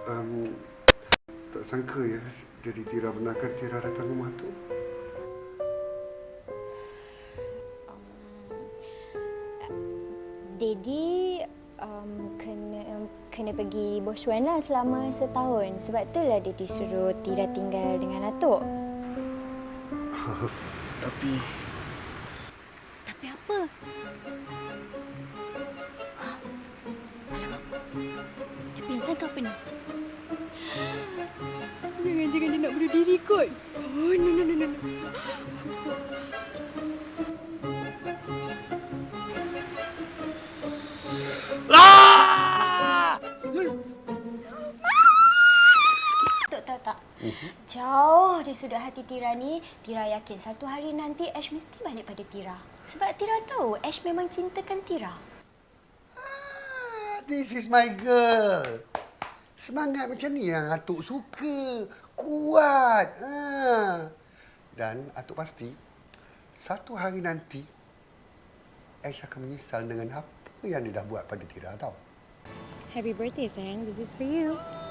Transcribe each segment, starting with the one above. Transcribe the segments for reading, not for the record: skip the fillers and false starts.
Um, tak sangka ya, jadi Tira benarkan Tira datang rumah tu. Daddy kena pergi Botswana selama setahun. Sebab itulah Daddy suruh Tira tinggal dengan Atuk. Tapi apa? Dia pingsan ke apa ni? Jangan-jangan dia nak bunuh diri kot. Oh, no. Tak. Jauh di sudut hati Tira ni, Tira yakin satu hari nanti Ash mesti balik pada Tira. Sebab Tira tahu Ash memang cintakan Tira. This is my girl. Semangat macam ni yang Atuk suka. Kuat. Dan Atuk pasti, satu hari nanti, Ash akan menyesal dengan apa yang dia dah buat pada Tira tau. Happy birthday, sayang. This is for you.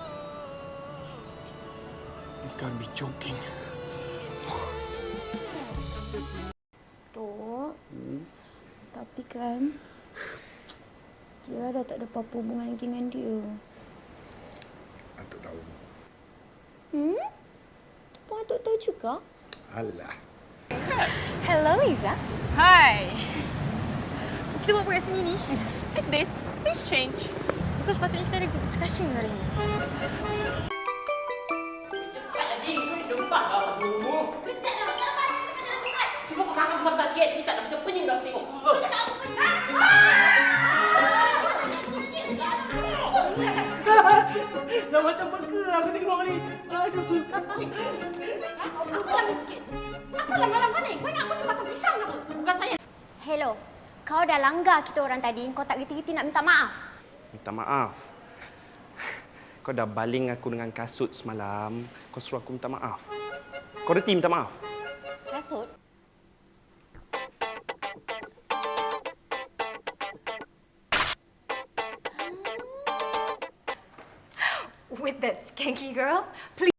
you can't be joking. Tok, tapi kan Tira dah tak ada apa-apa hubungan lagi dengan dia. Atuk tahu. Apa Atuk tahu juga? Alah. Hello, Iza. Hi. Kita buat apa kat sini ni? Take this. Please change. Because patutnya kita ada group discussion hari ni. Cepat Haji, kau dah lupa kau dulu. Kejap dah, kenapa? Jangan cepat. Cuba kau kakak besar sikit. Ni tak nak macam pening dah tengok. Cakap apa pun. Dah macam burger aku tengok ni. Aduh. Apa lah mungkin? Apa lah malam ni? Kau ingat aku ni batang pisang ke apa? Bukan saya. Hello, kau dah langgar kita orang tadi. Kau tak reti-reti nak minta maaf. Minta maaf. Kau dah baling aku dengan kasut semalam. Kau suruh aku minta maaf. Kau reti minta maaf? Kasut? With that skanky girl, please.